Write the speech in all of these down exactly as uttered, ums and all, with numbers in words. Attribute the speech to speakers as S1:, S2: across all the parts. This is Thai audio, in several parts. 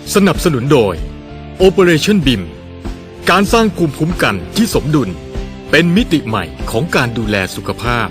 S1: สนับสนุนโดย Operation บี ไอ เอ็ม การสร้างภูมิคุ้มกันที่สมดุลเป็นมิติใหม่ของการดูแลสุขภาพ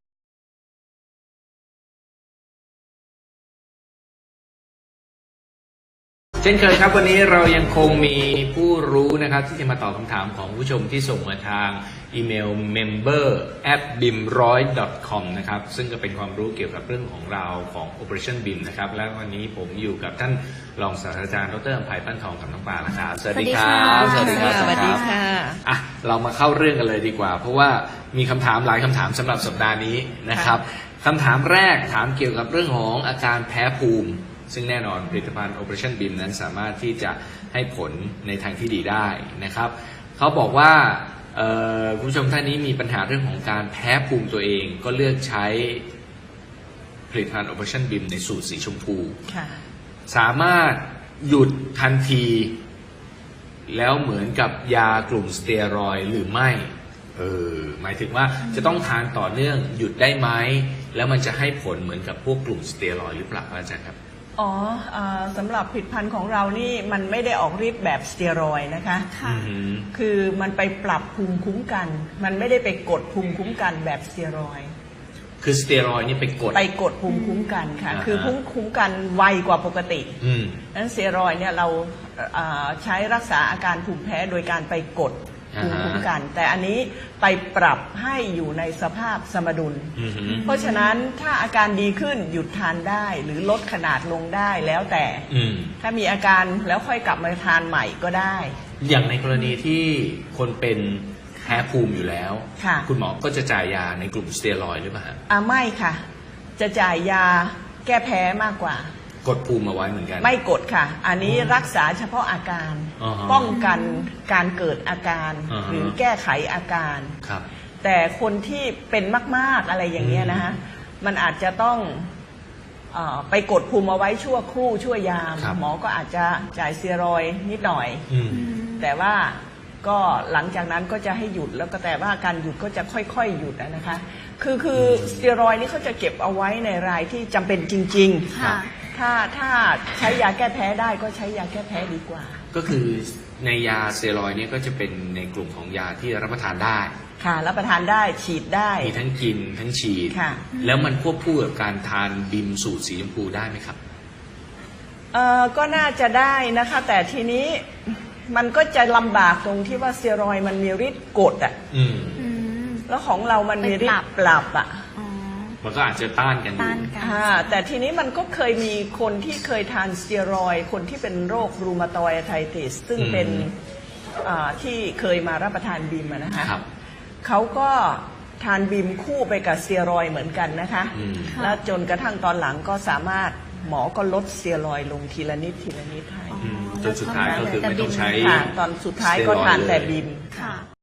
S2: เช่นเคยครับวันนี้เรายังคงมีผู้รู้นะครับที่จะมาตอบคำถามของผู้ชมที่ส่งมาทางอีเมล member at bim หนึ่งร้อย ดอท คอม นะครับซึ่งก็เป็นความรู้เกี่ยวกับเรื่องของเราของ Operation บี ไอ เอ็ม นะครับและวันนี้ผมอยู่กับท่านรองศาสตราจารย์ดร.อภัยปั้นทองกับน้องปลานะครับสวัสดีครับ
S3: สวัสดีค่ะ
S2: สวัสดีค่ะอ่ะเรามาเข้าเรื่องกันเลยดีกว่าเพราะว่ามีคำถามหลายคำถามสำหรับสัปดาห์นี้นะครับคำถามแรกถามเกี่ยวกับเรื่องของอาการแพ้ภูมิซึ่งแน่นอนผลิตภัณฑ์ Operation บี ไอ เอ็ม นั้นสามารถที่จะให้ผลในทางที่ดีได้นะครับเขาบอกว่าคุณผู้ชมท่านนี้มีปัญหาเรื่องของการแพ้ภูมิตัวเองก็เลือกใช้ผลิตภัณฑ์ Operation บี ไอ เอ็ม ในสูตรสีชมพูสามารถหยุดทันทีแล้วเหมือนกับยากลุ่มสเตียรอยด์หรือไม่เออหมายถึงว่าจะต้องทานต่อเนื่องหยุดได้ไหมแล้วมันจะให้ผลเหมือนกับพวกกลุ่มสเตียรอยด์หรือเปล่าอาจารย์ครับ
S3: อ๋อสำหรับผลิตภัณฑ์ของเรานี่มันไม่ได้ออกฤทธิ์แบบสเตียรอยด์นะคะคือมันไปปรับภูมิคุ้มกันมันไม่ได้ไปกดภูมิคุ้มกันแบบสเตียรอยด์
S2: คือสเตียรอยด์นี่ไปกด
S3: ไปกดภูมิคุ้มกันค่ะคือภูมิคุ้มกันไวกว่าปกตินั้นสเตียรอยด์เนี่ยเราใช้รักษาอาการภูมิแพ้โดยการไปกดภูมิคุ้มกันแต่อันนี้ไปปรับให้อยู่ในสภาพสมดุลเพราะฉะนั้นถ้าอาการดีขึ้นหยุดทานได้หรือลดขนาดลงได้แล้วแต่ถ้ามีอาการแล้วค่อยกลับมาทานใหม่ก็ได้
S2: อย่างในกรณีที่คนเป็นแพ้ภูมิอยู่แล้วคุณหมอก็จะจ่ายยาในกลุ่มสเตียรอยด์หรือเปล่า
S3: อ่าไม่ค่ะจะจ่ายยาแก้แพ้มากกว่
S2: ากดภูมิมาไว้เหมือนกัน
S3: ไม่กดค่ะอันนี้รักษาเฉพาะอาการป้องกันการเกิดอาการหรือแก้ไขอาการแต่คนที่เป็นมากๆอะไรอย่างเงี้ยนะฮะมันอาจจะต้องไปกดภูมิเอาไว้ชั่วครู่ชั่วยามหมอก็อาจจะจ่ายสเตียรอยด์นิดหน่อยแต่ว่าก็หลังจากนั้นก็จะให้หยุดแล้วก็แต่ว่าการหยุดก็จะค่อยๆหยุดนะคะคือคือสเตียรอยด์นี่เขาจะเก็บเอาไว้ในรายที่จำเป็นจริงๆถ้าถ้าใช้ยาแก้แพ้ได้ก็ใช้ยาแก้แพ้ดีกว่า
S2: ก็คือในยาสเตียรอยด์นี่ก็จะเป็นในกลุ่มของยาที่รับประทานได้
S3: ค่ะรับประทานได้ฉีดได้
S2: มีทั้งกินทั้งฉีดค่ะแล้วมันควบคู่กับการทานบิมสูตรสีชมพูได้ไหมครับ
S3: เอ่อก็น่าจะได้นะคะแต่ทีนี้มันก็จะลำบากตรงที่ว่าสเตียรอยด์มันมีฤทธิ์กดอ่ะแล้วของเรามันมีฤทธิ์ปรับอ่ะ
S2: มันก็อาจจะต้านกันอยู่
S3: แต่ทีนี้มันก็เคยมีคนที่เคยทานสเตียรอยด์คนที่เป็นโรครูมาตอยด์ไอติสซึ่งเป็นที่เคยมารับประทานบีมนะคะเขาก็ทานบีมคู่ไปกับสเตียรอยด์เหมือนกันนะคะแล้วจนกระทั่งตอนหลังก็สามารถหมอก็ลดสเตียรอยด์ลงทีละนิดทีละนิดให้
S2: จนสุดท้ายก็คือไม่ต้องใช้
S3: ตอนสุดท้ายก็ทานแต่บีม